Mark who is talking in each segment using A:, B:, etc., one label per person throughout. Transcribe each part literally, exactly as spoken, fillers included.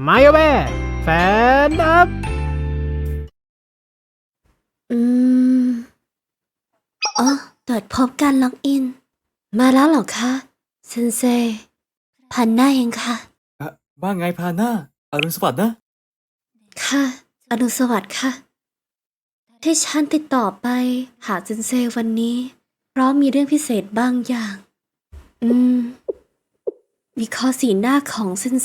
A: มาโยเบ้แฟนอัพ
B: อืมอ๋อตรวจพบการล็อกอิน มาแล้วเหรอคะเซนเซพันหน้าเองค่ะ
C: อะว่าไงพาน่าอรุณสวัสดิ์นะ
B: ค่ะอนุสวัสดิ์ค่ะ ที่ฉันติดต่อไปหาเซนเซวันนี้ เพราะมีเรื่องพิเศษบางอย่าง อืม วิเคราะห์สีหน้าของเซนเซ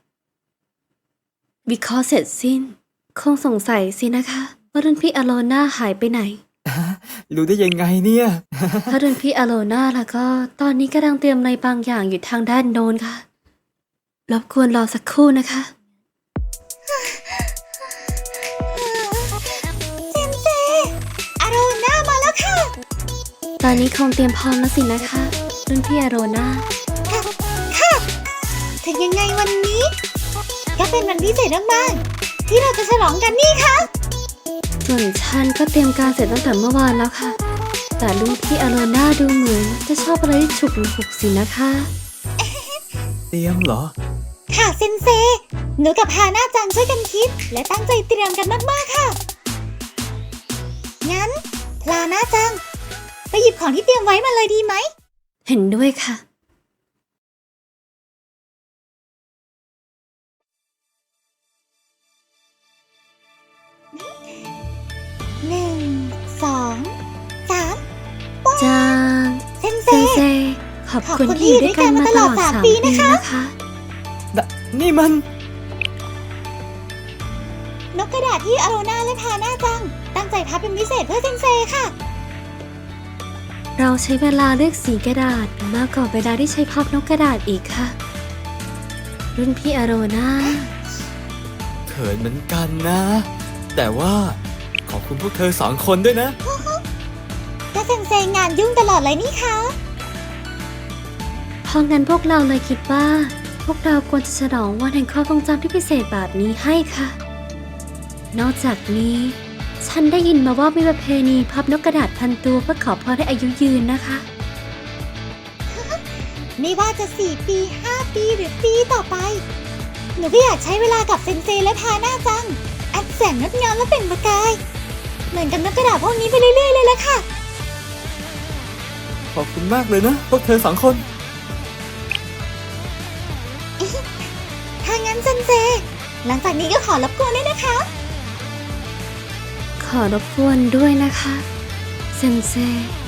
B: วิเคราะห์เสร็จสิ้น คงสงสัยสินะคะว่ารุ่นพี่อโลนาหายไปไหน
C: รู้ได้ยังไงเนี่ย
B: ถ้ารุ่นพี่อโลนาแล้วก็ตอนนี้กำลังเตรียมอะไรบางอย่างอยู่ทางด้านโน้นค่ะ รบกวนรอสักครู่นะคะ
D: เซนเซอาโรน่ามาแล้วค่ะ
B: ตอนนี้คงเตรียมพร้อมแล้วสินะคะ รุ่นพี่อโรนา
D: ค่ะค่ะถึงยังไงวันนี้ ก็เป็นวันพิเศษมากๆที่เราจะฉลองกันนี่ค่ะ
B: ส่วนฉันก็เตรียมการเสร็จตั้งแต่เมื่อวานแล้วค่ะ แต่รุ่นพี่อโรนาดูเหมือนจะชอบอะไรที่ฉุกละหุกสินะคะ
C: เตรียมเหรอ
D: ค่ะเซนเซหนูกับฮาน่าจังช่วยกันคิด และตั้งใจเตรียมกันมากๆค่ะ งั้นลาน่าจัง ไปหยิบของที่เตรียมไว้มาเลยดีไหม
B: เห็นด้วยค่ะ
D: หนึ่ง สอง สาม
B: จาง
D: เซนเซ
B: เซนเซ ขอบคุณที่อยู่ด้วยกันมาตลอดสามปีนะคะ
C: นี่มัน
D: นกกระดาษที่อาโรนาและฮาน่าจัง ตั้งใจพับเป็นพิเศษเพื่อเซนเซค่ะ
B: เราใช้เวลาเลือกสีกระดาษมากกว่าเวลาที่ใช้พับนกกระดาษอีกค่ะ รุ่นพี่อโรนา
C: เขินเหมือนกันนะ แต่ว่าขอบคุณพวกเธอสองคนด้วยนะ
D: ก็เซนเซงานยุ่งตลอดเลยนี่คะ
B: เพราะงั้นพวกเราเลยคิดว่า พวกเราควรจะฉลองวันแห่งความทรงจำที่พิเศษแบบนี้ให้ค่ะ นอกจากนี้ ฉันได้ยินมาว่ามีประเพณีพับนกกระดาษพันตัวเพื่อขอพรให้อายุยืนนะคะ
D: ไม่ว่าจะสี่ปีห้าปีหรือปีต่อไป หนูก็อยากใช้เวลากับเซนเซและฮาน่าจัง อันแสนงดงามและเป็นประกาย เหมือนกับนกกระดาษพวกนี้ไปเรื่อยๆเลยละค่ะ
C: ขอบคุณมากเลยนะ พวกเธอสองคน
D: ถ้างั้นเซนเซ หลังจากนี้ก็ขอรบกวนด้วยนะคะ
B: ขอรบกวนด้วยนะคะ เซนเซ